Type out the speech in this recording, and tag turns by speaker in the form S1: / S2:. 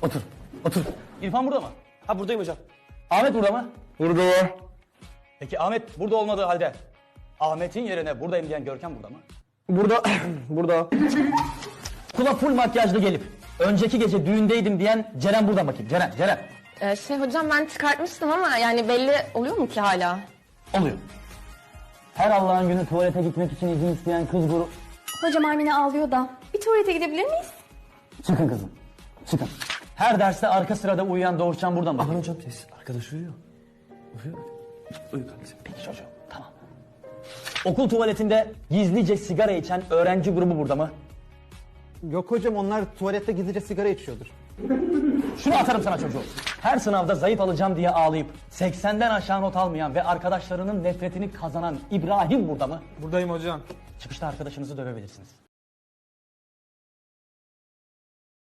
S1: Otur. Otur. İrfan burada mı?
S2: Ha buradayım hocam.
S1: Ahmet burada mı?
S3: Burada.
S1: Peki Ahmet burada olmadığı halde Ahmet'in yerine buradayım diyen Görkem burada mı?
S3: Burada. Burada.
S1: Kula full makyajlı gelip önceki gece düğündeydim diyen Ceren burada bakayım. Ceren.
S4: Hocam ben çıkartmıştım ama yani belli oluyor mu ki hala?
S1: Oluyor. Her Allah'ın günü tuvalete gitmek için izin isteyen kız grubu...
S5: Hocam Armine ağlıyor da. Bir tuvalete gidebilir miyiz?
S1: Çıkın kızım. Çıkın. Her derste arka sırada uyuyan Doğuşcan burada mı?
S2: Aman hocam ses. Arkadaş uyuyor. Uyuyor. Uyu kardeşim.
S1: Peki çocuğum, tamam. Okul tuvaletinde gizlice sigara içen öğrenci grubu burada mı?
S3: Yok hocam, onlar tuvalette gizlice sigara içiyordur.
S1: Şunu atarım sana çocuğum. Her sınavda zayıf alacağım diye ağlayıp 80'den aşağı not almayan ve arkadaşlarının nefretini kazanan İbrahim burada mı?
S3: Buradayım hocam.
S1: Çıkışta arkadaşınızı dövebilirsiniz.